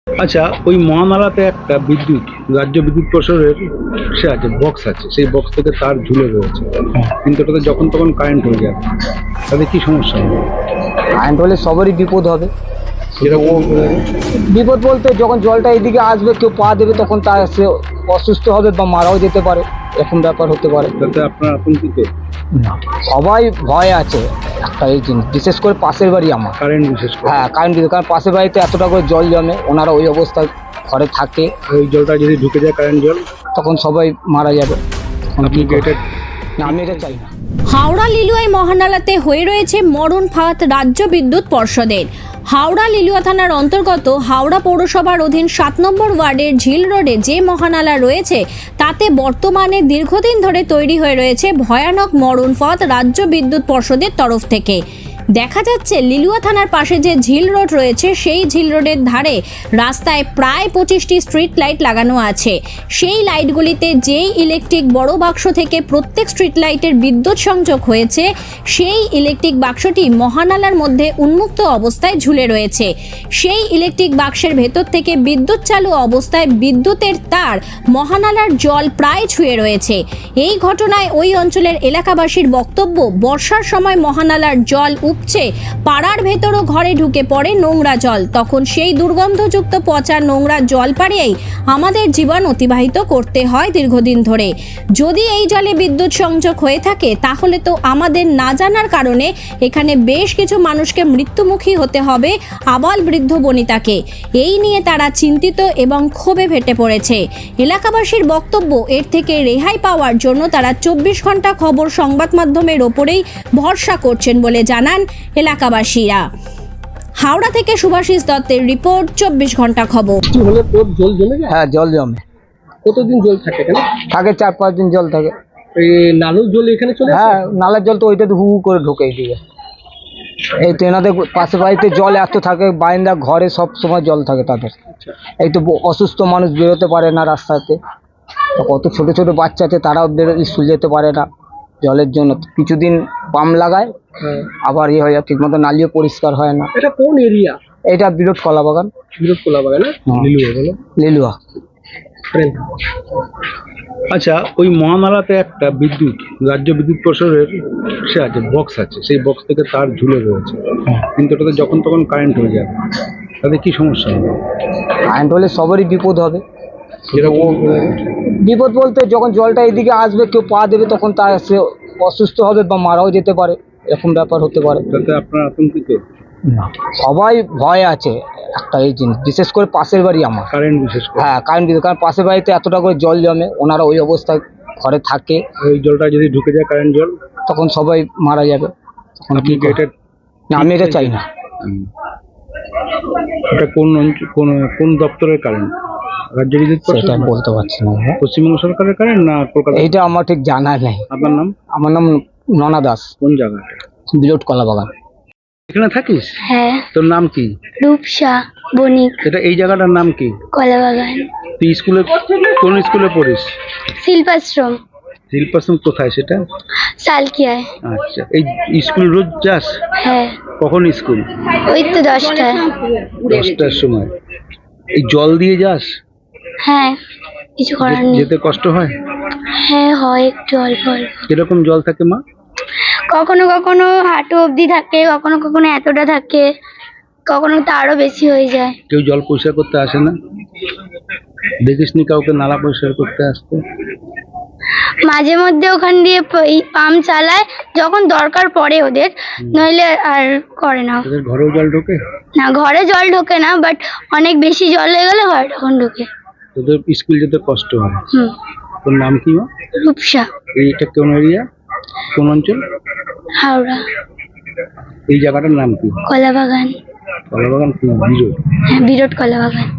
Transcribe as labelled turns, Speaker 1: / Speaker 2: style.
Speaker 1: আচ্ছা, ওই মহানালাতে একটা রাজ্য বিদ্যুৎ পরিষদের সে আছে, বক্স আছে, সেই বক্স থেকে তার ঝুলে রয়েছে, কিন্তু ওটাতে যখন তখন কারেন্ট হয়ে যাবে, তাতে কি সমস্যা হবে?
Speaker 2: কারেন্ট হলে সবারই বিপদ হবে।
Speaker 1: যেরকম
Speaker 2: বিপদ বলতে যখন জলটা এদিকে আসবে, কেউ পা দেবে, তখন তার সে অসুস্থ হবে বা মারাও যেতে পারে, এরকম ব্যাপার হতে পারে।
Speaker 1: তাতে আপনার আতঙ্কিত?
Speaker 2: না, সবাই ভয় আছে একটা এই জিনিস, বিশেষ করে পাশের বাড়ি আমার।
Speaker 1: কারেন্ট বিশেষ করে?
Speaker 2: হ্যাঁ, কারেন্ট কারণ পাশের বাড়িতে এতটা করে জল জমে, ওনারা ওই অবস্থায় ঘরে থাকে।
Speaker 1: ওই জলটা যদি ঢুকে যায়, কারেন্ট জল,
Speaker 2: তখন সবাই মারা যাবে।
Speaker 1: আপনি কি এটা?
Speaker 2: না, আমি এটা চাই না।
Speaker 3: হাওড়া লিলুয়ায় মহানালাতে হয়ে রয়েছে মরণ ফাঁদ রাজ্য বিদ্যুৎ পর্ষদের। হাওড়া লিলুয়া থানার অন্তর্গত হাওড়া পৌরসভার অধীন 7 নম্বর ওয়ার্ডের ঝিল রোডে যে মহানালা রয়েছে তাতে বর্তমানে দীর্ঘদিন ধরে তৈরি হয়ে রয়েছে ভয়ানক মরণ ফাঁদ রাজ্য বিদ্যুৎ পর্ষদের তরফ থেকে। দেখা যাচ্ছে লিলুয়া থানার পাশে যে ঝিল রোড রয়েছে সেই ঝিল রোডের ধারে রাস্তায় প্রায় 25টি স্ট্রিট লাইট লাগানো আছে। সেই লাইটগুলিতে যেই ইলেকট্রিক বড় বাক্স থেকে প্রত্যেক স্ট্রিট লাইটের বিদ্যুৎ সংযোগ হয়েছে, সেই ইলেকট্রিক বাক্সটি মহানালার মধ্যে উন্মুক্ত অবস্থায় ঝুলে রয়েছে। সেই ইলেকট্রিক বাক্সের ভেতর থেকে বিদ্যুৎ চালু অবস্থায় বিদ্যুতের তার মহানালার জল প্রায় ছুঁয়ে রয়েছে। এই ঘটনায় ওই অঞ্চলের এলাকাবাসীর বক্তব্য, বর্ষার সময় মহানালার জল উপচে পাড়ার ভেতরও ঘরে ঢুকে পড়ে নোংরা জল, তখন সেই দুর্গন্ধযুক্ত পচা নোংরা জল পাড়িয়েই আমাদের জীবন অতিবাহিত করতে হয় দীর্ঘদিন ধরে। যদি এই জলে বিদ্যুৎ সংযোগ হয়ে থাকে তাহলে তো আমাদের না জানার কারণে এখানে বেশ কিছু মানুষকে মৃত্যুমুখী হতে হবে, আবাল বৃদ্ধ বনিতাকে। এই নিয়ে তারা চিন্তিত এবং ক্ষোভে ফেটে পড়েছে। এলাকাবাসীর বক্তব্য, এর থেকে রেহাই পাওয়ার জন্য তারা 24 ঘন্টা খবর সংবাদ মাধ্যমের ওপরেই ভরসা করছেন বলে জানান এলাকাবাসীরা। হাওড়া থেকে সুভাষিস দত্তের রিপোর্ট, 24 ঘন্টা খবর।
Speaker 4: কি হলে তোর জল জমে যায়?
Speaker 2: হ্যাঁ, জল জমে
Speaker 4: কতদিন জল থাকে এখানে?
Speaker 2: থাকে 4-5 দিন জল থাকে।
Speaker 4: এই নালুর জল এখানে চলে আসে?
Speaker 2: হ্যাঁ, নালার জল তো ওইটাতে হু হু করে ঢোকে এইদিকে। এই তো এনাদের পাশে বাড়িতে জল এত থাকে, বারান্দা ঘরে সব সময় জল থাকে তাদের। এই তো অসুস্থ মানুষ বেরোতে পারে না রাস্তাতে, কত ছোট ছোট বাচ্চা আছে, তারাও স্কুল যেতে পারে না জলের জন্য। কিছুদিন পাম্প লাগায়, আবার ইয়ে হয়ে যায়, ঠিক মতো নালিও পরিষ্কার হয় না।
Speaker 4: এটা কোন এরিয়া?
Speaker 2: এটা বিরট কলা বাগান।
Speaker 4: বিরোধ কোলা বাগান না?
Speaker 1: লিলুয়া বলো।
Speaker 2: লিলুয়া।
Speaker 1: আচ্ছা, ওই মহানালাতে একটা রাজ্য বিদ্যুৎ পরিষদের সে আছে, বক্স আছে, সেই বক্স থেকে তার ঝুলে রয়েছে, কিন্তু ওটাতে যখন তখন কারেন্ট হয়ে যাবে, তাতে কি সমস্যা হবে?
Speaker 2: কারেন্ট হলে সবারই বিপদ হবে।
Speaker 1: যেরকম
Speaker 2: বিপদ বলতে যখন জলটা এদিকে আসবে, কেউ পা দেবে, তখন তার সে অসুস্থ হবে বা মারাও যেতে পারে, এরকম ব্যাপার হতে পারে।
Speaker 1: তাতে আপনার আতঙ্কিত?
Speaker 2: না, সবাই ভয় আছে একটা এই জিনিস, বিশেষ করে পাশের বাড়ি আমার।
Speaker 1: কারেন্ট বিশেষ করে?
Speaker 2: হ্যাঁ, কারণ পাশের বাড়িতে এতটা করে জল জমে, ওনারা ওই অবস্থায় ঘরে থাকে।
Speaker 1: ওই জলটা যদি ঢুকে যায়, কারেন্ট জল,
Speaker 2: তখন সবাই মারা যাবে। তখন
Speaker 1: আপনি কি এটা?
Speaker 2: না, আমি এটা চাই না।
Speaker 1: এটা কোন দপ্তরের কারেন্ট? রাজ্য বিদ্যুৎ
Speaker 2: সেটা
Speaker 1: পরিষদ?
Speaker 2: আমি বলতে পারছি না।
Speaker 1: পশ্চিমবঙ্গ সরকারের কারেন্ট না কলকাতা?
Speaker 2: এইটা আমার ঠিক জানা নেই।
Speaker 1: আপনার নাম?
Speaker 2: আমার নাম ননা দাস,
Speaker 1: কোন জায়গাটা?
Speaker 2: বিরট কলা বাগান।
Speaker 1: এখানে থাকিস?
Speaker 5: হ্যাঁ,
Speaker 1: তোর নাম কি?
Speaker 5: রূপসা বণিক,
Speaker 1: এটা এই জায়গাটার নাম কি?
Speaker 5: কলাবাগান,
Speaker 1: তুই কোন স্কুলে পড়িস?
Speaker 5: শিল্পাশ্রম,
Speaker 1: শিল্পাশ্রম কোথায় সেটা?
Speaker 5: সালকিয়ায়।
Speaker 1: আচ্ছা, এই স্কুল রোজ যাস?
Speaker 5: হ্যাঁ,
Speaker 1: কখন স্কুল?
Speaker 5: ওই তো 10টায়।
Speaker 1: 10টার সময়। এই জল দিয়ে যাস?
Speaker 5: হ্যাঁ, কিছু করার নেই।
Speaker 1: যেতে কষ্ট হয়?
Speaker 5: হ্যাঁ, হয় একটু অল্প অল্প।
Speaker 1: কিরকম জল থাকে মা?
Speaker 5: কখনো কখনো হাঁটু অবধি থাকে, কখনো কখনো এতটা থাকে, কখনো তো আরো বেশি হয়ে যায়।
Speaker 1: কেউ জল পরিষ্কার করতে আসে না? দেখিসনি কাউকে নালা পরিষ্কার করতে আসতে?
Speaker 5: মাঝে মধ্যে ওখান দিয়ে পাম্প চালায় যখন দরকার পড়ে ওদের, নইলে আর করে না।
Speaker 1: তোদের ঘরেও জল ঢোকে?
Speaker 5: না, ঘরে জল ঢোকে না, বাট অনেক বেশি জল হয়ে গেলে ঘরে তখন ঢোকে।
Speaker 1: তোদের স্কুল যেতে কষ্ট হয়? তোর নাম কি মা?
Speaker 5: রূপসা।
Speaker 1: এইটা কোন এরিয়া, কোন অঞ্চল?
Speaker 5: হাওড়া।
Speaker 1: এই জায়গাটার নাম কি?
Speaker 5: কলাবাগান।
Speaker 1: কলাবাগান? বিরোধ?
Speaker 5: হ্যাঁ, বিরট কলাবাগান।